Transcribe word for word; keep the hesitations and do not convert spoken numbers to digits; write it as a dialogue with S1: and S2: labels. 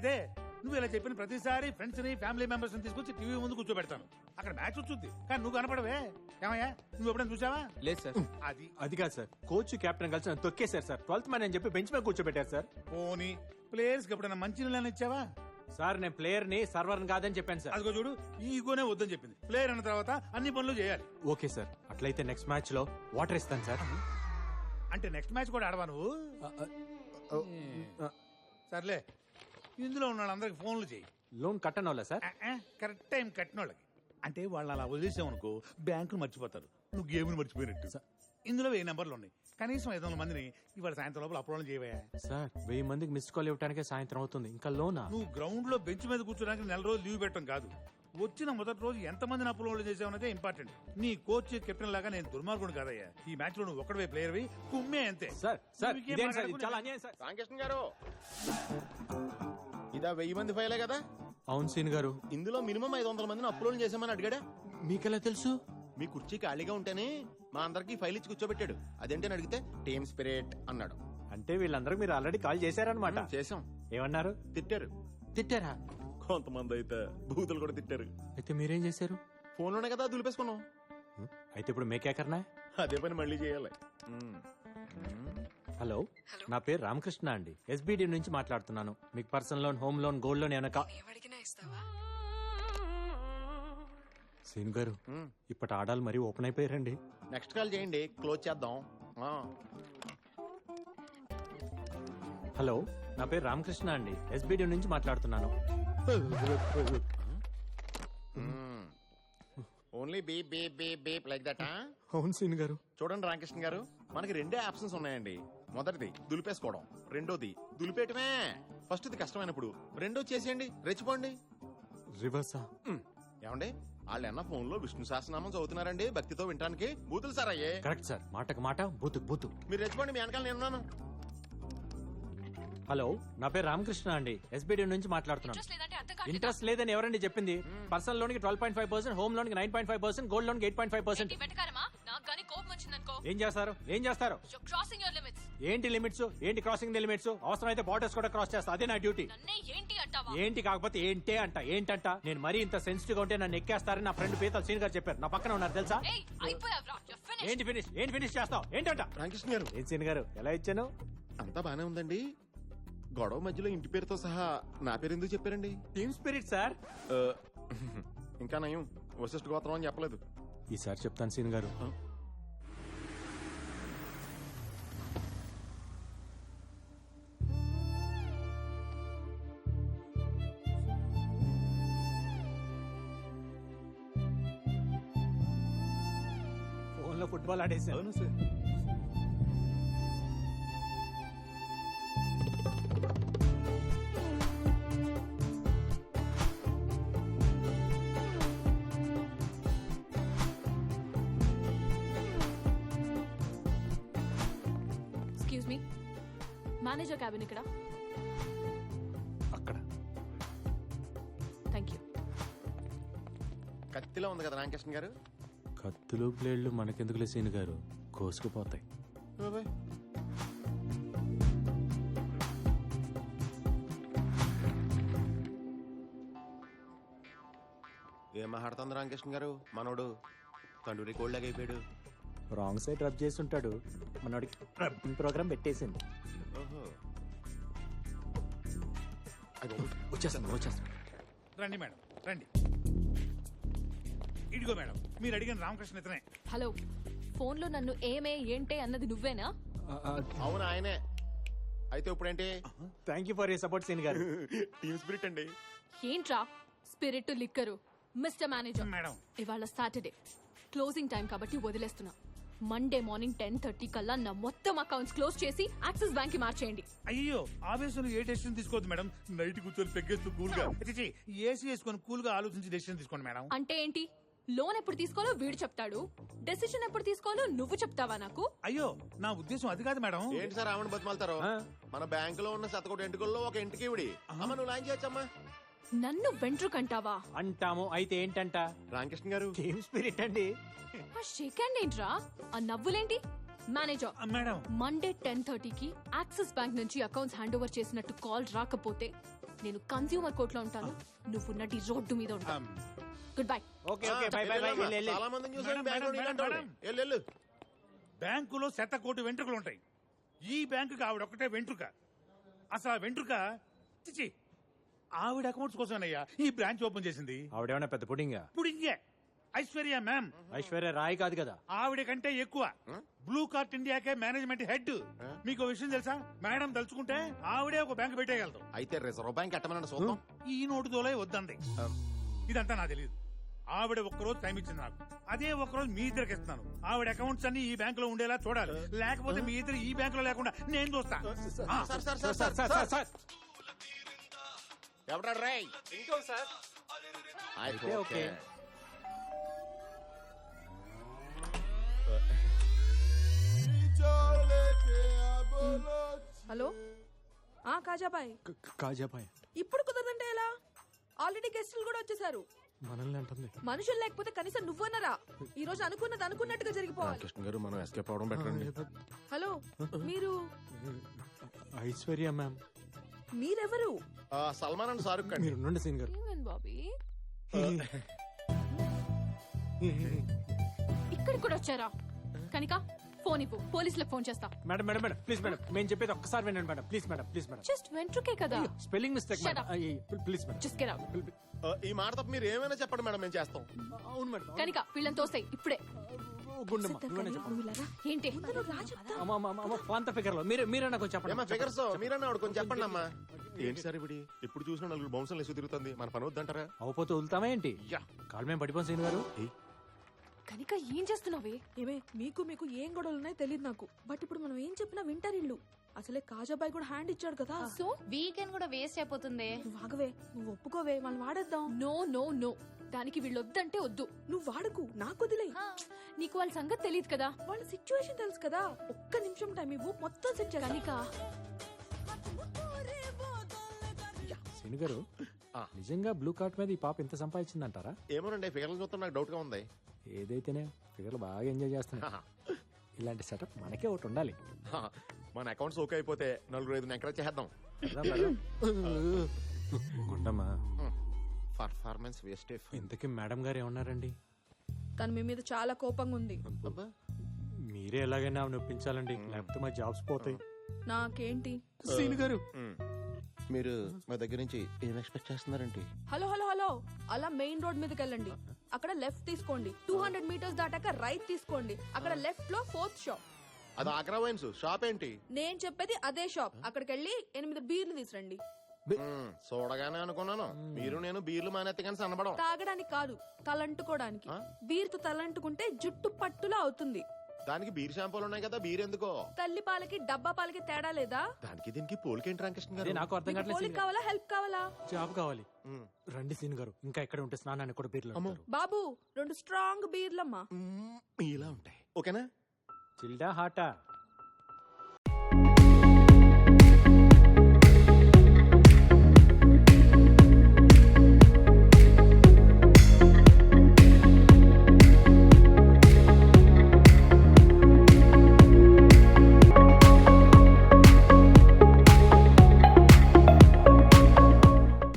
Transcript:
S1: అదే నువ్వు ఇలా చెప్పిన ప్రతిసారి ఫ్రెండ్స్ ని ఫ్యామిలీ మెంబర్స్ ని తీసుకొచ్చి టీవీ ముందు కూర్చోబెడతాను. అక్కడ మ్యాచ్ వచ్చుద్ది కానీ నువ్వు కనపడవే. ఏమయ్యా నువ్వు ఎప్పుడైనా చూసావా?
S2: లేదు సార్.
S1: అది
S2: అది కాదు సార్, కోచ్ కెప్టెన్ కలిసి నన్ను తొక్కేశారు సార్. ట్వెల్త్ మ్యాన్ అని చెప్పి బెంచ్ మీద కూర్చోబెట్టారు సార్.
S1: పోనీ ప్లేయర్స్ కి ఎప్పుడైనా మంచి నీళ్ళని ఇచ్చావా?
S2: సార్ నేను ప్లేయర్ ని సర్వర్ కాదని చెప్పాను సార్.
S1: అదిగో చూడు, ఈ ఈగోనే వద్దని చెప్పింది. ప్లేయర్ అన్న తర్వాత అన్ని పనులు చేయాలి.
S2: ఓకే సార్, అట్లయితే నెక్స్ట్ మ్యాచ్ లో వాటర్ ఇస్తాను సార్.
S1: అంటే నెక్స్ట్ మ్యాచ్ కూడా ఆడవా నువ్వు? సర్లే, ఇందులో ఉన్న వాళ్ళందరికి ఫోన్లు చేయి.
S2: లోన్ కట్టను వాళ్ళ సార్?
S1: కరెక్ట్ టైం కట్టిన వాళ్ళకి. అంటే వాళ్ళు అలా వదిలేసామనుకో బ్యాంకులు మర్చిపోతారు, నువ్వు గేమ్ను మర్చిపోయినట్టు. ఇందులో వెయ్యి నెంబర్లు ఉన్నాయి, కనీసం ఐదు వందల మందిని ఇవాళ సాయంత్రం లోపల అప్లోడ్ చేయవా?
S2: సార్ వెయ్యి మందికి మిస్ కాల్ ఇవ్వడానికి సాయంత్రం అవుతుంది, ఇంకా లోనా?
S1: నువ్వు గ్రౌండ్ లో బెంచ్ మీద కూర్చోడానికి నెల రోజులు లీవ్ పెట్టడం కాదు, వచ్చిన మొదటి రోజు ఎంత మందిని అప్లోడ్ చేసావనేదే ఇంపార్టెంట్. నీ కోచ్ కెప్టెన్ లాగా నేను దుర్మార్గుడు కాదయ్యా. ఈ మ్యాచ్ లో నువ్వు ఒక్కడే ప్లేయర్ వి, కుమ్మే అంతే.
S2: సార్ సార్
S1: నువ్వు ఇంకేం
S2: ఇదేం సార్, ఇది
S1: మాట్లాడకు.
S2: చాలా అన్యాయం సార్.
S3: రామకృష్ణ గారు, ఇదా వెయ్యి మంది ఫైలే కదా?
S2: అవును సీన్ గారు.
S3: ఇందులో మినిమం ఐదు వందల మందిని అప్లోడ్ చేసామని అడిగాడా?
S2: మీకెలా తెలుసు?
S3: మీ కుర్చీ ఖాళీగా ఉంటేనే మా అందరికి ఫైల్ ఇచ్చి కూర్చోబెట్టాడు. అదేంటని అడిగితే టీమ్ స్పిరిట్ అన్నాడు.
S2: అంటే వీళ్ళందరూ మీరు ఆల్రెడీ కాల్ చేశారనమాట.
S3: చేసాం.
S2: ఏమన్నారు?
S3: తిట్టారు.
S2: తిట్టారా?
S3: కొంతమంది అయితే బూతులు కూడా తిట్టారు.
S2: అయితే మీరేం చేశారు?
S3: ఫోన్ లోనే కదా దులిపేసుకున్నాం.
S2: అయితే ఇప్పుడు మేకేకర్నా?
S3: అదే పని మళ్ళీ చేయాలి.
S2: హలో, నా పేరు రామకృష్ణ అండి, ఎస్బిడి నుంచి మాట్లాడుతున్నాను. మీకు personal loan, home loan, gold loan ఏమైనా? సీన్ గారు, ఇప్పటి ఆడాలు మరీ ఓపెన్ అయిపోయారండి.
S3: నెక్స్ట్ కాల్ చేయండి, క్లోజ్ చేద్దాం.
S2: హలో, నా పేరు రామకృష్ణ అండి, ఎస్బిడి నుంచి మాట్లాడుతున్నాను.
S3: Only beep beep beep beep like that.
S2: అవును సీన్ గారు.
S3: చూడండి రామకృష్ణ గారు, మనకి రెండే ఆప్షన్స్ ఉన్నాయండి. మొదటిది దులిపేసుకోవడం, రెండోది దులిపేయటమే. ఫస్ట్ ఇది కష్టమైనప్పుడు రెండో చేసేయండి, రెచ్చిపోండి.
S2: రివర్సా?
S3: ఏమండి, వాళ్ళు అన్న ఫోన్ లో విష్ణు సహస్రనామం చదువుతున్నారండి భక్తితో వినడానికి. బూతులు సార్ అయ్యే.
S2: కరెక్ట్ సార్, మాటకు మాట, బూతు బూతు.
S3: మీరు రెచ్చిపోండి, మీ వెనకాల నేనున్నాను.
S2: హలో, నా పేరు రామకృష్ణ అండి, ఎస్బిడి నుంచి మాట్లాడుతున్నాను. ఇంట్రెస్ట్ లేదని ఎవరండి చెప్పింది? పర్సనల్ లోన్ కి twelve point five percent, home loan కి nine point five percent, gold loan కి ఎయిట్ పాయింట్ ఫైవ్ పర్సెంట్. ఏం చేస్తారు? ఏం చేస్తారు? ఏంటి లిమిట్స్? ఏంటి క్రాసింగ్ ది లిమిట్స్? అవసరం అయితే బార్డర్స్ కూడా క్రాస్ చేస్తా, అదే నా డ్యూటీ. ఏంటి కాకపోతే ఏంటే అంట. ఏంటంట? నేను మరీ ఇంత సెన్సిటివ్ గా ఉంటే నన్ను ఎక్కేస్తారని నా ఫ్రెండ్ పీతల్ సీన్ గారు చెప్పారు. నా పక్కన ఉన్నారు తెలుసా? ఏంటి ఫినిష్? ఏంటి ఫినిష్ చేస్తావు? ఏంటంట?
S3: రామకృష్ణ గారు,
S2: ఏం సీన్ గారు ఎలా ఇచ్చాను?
S3: అంతా బానే ఉందండి. గొడవ మధ్యలో ఇంటి పేరుతో సహా నా పేరు ఎందుకు చెప్పారండి?
S2: Team spirit sir.
S3: ఇంకా నయం వశిష్ఠ గోత్రం అని చెప్పలేదు.
S2: ఈసారి చెప్తాను సీన్ గారు. ఫోన్ లో ఫుట్బాల్ ఆడేసాను సార్.
S4: మేనేజర్ క్యాబిన్ ఇక్కడ.
S2: అక్కడ.
S4: Thank you.
S3: కత్తిలో ఉంది కదా రామకృష్ణ గారు.
S2: కత్తులు ప్లేళ్లు మనకెందుకులే సీన్ గారు, కోసుకుపోతాయి.
S3: ఏం మాట్లాడుతుంది రామకృష్ణ గారు? మనోడు తండ్రి కోల్డ్ అయిపోయాడు.
S2: రాంగ్ సైడ్ రబ్ చేసి ఉంటాడు, మనోడికి ప్రోగ్రామ్ పెట్టేసింది. వచ్చేస్తాను వచ్చేస్తాను.
S1: రండి మేడం, రండి. ఇదిగో మేడం, మీరు అడిగిన రామకృష్ణ ఇతనే.
S4: హలో, ఫోన్ లో నన్ను ఏమే ఏంటే అన్నది నువ్వేనా?
S3: అవును ఆయనే. అయితే ఇప్పుడేంటి?
S2: Thank you for your support సీన్ గారు.
S3: టీమ్ స్పిరిట్ అండి.
S4: ఏంట్రా spirit liquor? Mister manager
S1: madam,
S4: ఇవాళ సాటర్డే క్లోజింగ్ టైం కాబట్టి వదిలేస్తున్నా. మండే మార్నింగ్ టెన్ థర్టీ కల్లా నా మొత్తం అకౌంట్స్ క్లోజ్ చేసి యాక్సిస్ బ్యాంక్ కి మార్చేయండి.
S1: అయ్యో ఆవేశంలో ఏ డెసిషన్ తీసుకోవద్దు మేడం. నైట్ కూర్చొని పెగ్గేస్తూ కూల్ గా ఏసీ వేసుకొని కూల్ గా ఆలోచించి డెసిషన్ తీసుకోండి మేడం.
S4: అంటే ఏంటి? లోన్ ఎప్పుడు తీసుకోవాలో వీడు చెప్తాడు, డెసిషన్ ఎప్పుడు తీసుకోవాలో నువ్వు చెప్తావా నాకు?
S1: అయ్యో నా ఉద్దేశం అది కాదు మేడం.
S3: ఏంటి సార్ ఆవిడ బతిమాలతారు? మన బ్యాంక్ లో ఉన్న శతకోటి ఎంటుకల్లో ఒక ఇంటికి ఇవిడి అమ్మ నువ్వు లాంచ్ చేయొచ్చమ్మా.
S4: నన్ను వెంట్రుకంటావా?
S2: అంటాము. అయితే ఏంటంట?
S3: రామకృష్ణ గారు
S2: టీమ్ స్పిరిట్ అండి.
S4: ఆ షేక్ హ్యాండ్ ఏంట్రా? ఆ నవ్వులేంటి? మేనేజర్
S1: మేడం,
S4: మండే టెన్ థర్టీకి యాక్సిస్ బ్యాంక్ నుంచి అకౌంట్స్ హ్యాండ్ ఓవర్ చేసినట్టు కాల్ రాకపోతే నేను కన్స్యూమర్ కోర్ట్ లో ఉంటాను, నువ్వు నటి రోడ్డు మీద ఉంటావు. Goodbye.
S2: Okay okay bye bye bye వెళ్ళు, వెళ్ళు.
S3: చాలా మందిని చూసాను
S1: మేడం,
S3: బ్యాంకులో
S1: మేడం,
S3: ఇలాంటి
S1: మేడం.
S3: వాళ్ళు. వెళ్ళు, వెళ్ళు.
S1: బ్యాంకులో శత కోటి వెంట్రుకలు ఉంటాయి, ఈ బ్యాంకుకి ఆవిడ ఒక్కటే వెంట్రుక. అసలు ఆ వెంట్రుక చిచి ఆవిడ అకౌంట్స్ కోసమేనయ్యా ఈ బ్రాంచ్ ఓపెన్ చేసింది.
S2: ఆవిడేమన్నా పెద్ద పుడింగా?
S1: ఇప్పుడు ఇంకే ఐశ్వర్య మ్యామ్
S2: ఐశ్వర్య రాయ్ కాదు కదా.
S1: ఆవిడ కంటే ఎక్కువ. బ్లూ కార్ట్ ఇండియాకే మేనేజ్మెంట్ హెడ్. మీకు విషయం తెలుసా? మేడం తలుచుకుంటే ఆవిడే ఒక బ్యాంక్ పెట్టేయగలదు.
S3: అయితే రిజర్వ్ బ్యాంక్ ఎట్టమని చూద్దాం.
S1: ఈ నోటు దోలే వద్దండి. ఇదంతా నాకు తెలియదు. ఆవిడ ఒక్కరోజు టైం ఇచ్చింది నాకు, అదే ఒక్కరోజు మీ ఇద్దరికి ఇస్తున్నాను. ఆవిడ అకౌంట్స్ అన్ని ఈ బ్యాంక్ లో ఉండేలా చూడాలి, లేకపోతే మీ ఇద్దరు ఈ బ్యాంక్ లో లేకుండా నేను చూస్తా. ఆ,
S3: sir sir
S2: sir
S3: sir
S2: sir sir sir
S3: ఎవడా రేయ్?
S2: ఇంకో సార్.
S3: అయితే
S2: ఓకే,
S3: ఓకే.
S2: ఓకే.
S5: హలో ఆ కాజాబాయ్,
S2: కాజాబాయ్
S5: ఇప్పుడు కుదరదంటే ఎలా? ఆల్రెడీ గెస్టులు కూడా వచ్చేసారు.
S2: మనల్ని అంటుంది.
S5: మనుషులు లేకపోతే కనీసం నువ్వన్నరా? ఈ రోజు అనుకున్నది అనుకున్నట్టుగా జరిగిపోవాలి.
S3: కృష్ణ గారు మనం ఎస్కేప్ అవడం బెటర్ అండి.
S5: హలో, మీరు
S2: ఐశ్వర్య మ్యామ్.
S5: మీరెవరు?
S3: ఆ, సల్మాన్ అండ్ షారుఖ్ ఖాన్.
S2: మీరు ఉండండి సీన్ గారు.
S4: ఏమైంది బాబీ? ఇక్కడికి కూడా వచ్చారా? కనిక ఫోన్ ఇవ్వు, పోలీసులకు ఫోన్ చేస్తా.
S2: Madam madam madam please madam, మేము చెప్పేది ఒక్కసారి వినండి మేడం. Please madam, please madam.
S4: Just వెంట్రుకే కదా.
S2: Spelling mistake
S4: Shut
S2: madam.
S4: up.
S2: అయ్యి, please madam.
S4: Just get out.
S3: ఆ, ఈ మాట తప్ప మీరు ఏమైనా చెప్పండి మేడం, మేము చేస్తాం.
S2: అవును మేడం.
S4: కనిక వీళ్ళని తోస్తాయి ఇప్పుడే.
S2: గుండమ్మ నువ్వేనా చెప్పండి.
S5: నువ్వు ఇలాగా?
S4: ఏంటి?
S5: ముందు నువ్వు రా చెప్తా.
S2: అమ్మ అమ్మ అమ్మ పాంత ఫిగర్ లో మీరు మీరైనా కొంచెం చెప్పండి.
S3: ఏమా ఫిగర్స్ మీరన్నా ఆవిడ కొంచెం చెప్పండి అమ్మా. ఏంటి సార్ ఇప్పుడు ఎప్పుడు చూసినా నలుగురు బౌన్సర్లు వేసి తిరుగుతుంది, మన పని వద్దంటారా?
S2: అవపోతే వదులుతామా ఏంటి?
S3: యా.
S2: కాలు మేము పడిపోం సీన్ గారు.
S4: కనిక ఏం చేస్తున్నావే?
S5: ఏమే మీకు మీకు ఏం గొడవలు ఉన్నాయో తెలియదు నాకు, బట్ ఇప్పుడు మనం ఏం చెప్పినా వింటారు ఇల్లు. అసలే కాజాబాయ్ కూడా హ్యాండ్ ఇచ్చాడు కదా.
S4: సో
S6: వీకెండ్ కూడా వేస్ట్ అయిపోతుంది.
S5: నువ్వు ఆగవే, నువ్వు ఒప్పుకోవే, మనం వాడేద్దాం.
S4: నో నో నో, దానికి వీళ్ళు వద్దంటే వద్దు.
S5: నువ్వు వాడకు, నాకు వదిలే.
S4: నీకు వాళ్ళ సంగతి తెలియదు కదా.
S5: వాళ్ళ సిచ్యువేషన్ తెలుసు కదా. ఒక్క నిమిషం టైం ఇవ్వు, మొత్తం సెట్ చేయాలి.
S4: కనిక
S2: సీన్ గారు
S3: ఆ.
S2: నిజంగా బ్లూ కార్ట్ మీద ఈ పాప ఎంత సంపాదించిందంటారా?
S3: ఏమోనండి ఫిగర్లు చూస్తే నాకు డౌట్ గా ఉంది.
S2: ఏదైతేనే ఫిగర్లు బాగా ఎంజాయ్ చేస్తున్నా. ఇలాంటి సెటప్ మనకే ఒకటి ఉండాలి.
S3: హా, మన అకౌంట్స్ ఓకే అయిపోతే నలుగురు ఐదు ఎంకరేజ్ చేద్దాం.
S2: వెళ్దాం, వెళ్దాం. Gundamma,
S3: performance waste.
S2: ఇంతకీ మేడం గారు ఏమన్నారండి?
S5: తను మీ మీద చాలా కోపంగా ఉంది.
S2: మీరే ఎలాగైనా ఆమెను ఒప్పించాలండి, లేకపోతే మా జాబ్స్ పోతాయి.
S5: నాకేంటి?
S2: సీన్ గారు
S3: మీరు మా దగ్గర నుంచి ఏం ఎక్స్పెక్ట్ చేస్తున్నారంటే?
S5: హలో హలో హలో, అలా మెయిన్ రోడ్ మీదకి వెళ్ళండి. అక్కడ లెఫ్ట్ తీసుకోండి. టూ హండ్రెడ్ మీటర్స్ దాటాక రైట్ తీసుకోండి. అక్కడ లెఫ్ట్ లో ఫోర్త్ షాప్.
S3: అది ఆగ్రా వైన్స్ షాప్ ఏంటి?
S5: నేను చెప్పేది అదే షాప్. అక్కడికి వెళ్ళి ఎనిమిది బీర్లు తీసురండి.
S3: మ్మ్, చూడగానే అనుకున్నాను మీరు నేను బీర్లు మానేత్తే కానీ సన్నబడం.
S5: తాగడానికి కాదు, తలంటుకోవడానికి.
S3: ఆ?
S5: బీర్తో తలంటుకుంటే జుట్టు పట్టులా అవుతుంది.
S3: దానికి బీర్ షాంపూలు ఉన్నాయి కదా, బీర్ ఎందుకో?
S5: తల్లి పాలకి డబ్బా పాలకి తేడా లేదా?
S3: దానికి దీనికి పోలికేంటి రామకృష్ణ
S2: అదే
S3: గారు?
S2: నాకు అర్థం
S5: మీకు
S2: కావట్లేదు
S5: పోలిక
S2: సీన్ గారు.
S5: కావాలా, హెల్ప్ కావాలా?
S2: జాబ్ కావాలి.
S3: మ్మ్.
S2: రండి సీన్ గారు, ఇంకా ఎక్కడ ఉంటే స్నానాన్ని కూడా బీర్లు
S3: అమ్మో.
S2: అంటారు.
S5: బాబు, రెండు స్ట్రాంగ్ బీర్లమ్మా.
S3: మ్మ్, ఇలా ఉంటాయి ఓకేనా?
S2: చిల్డా హాటా?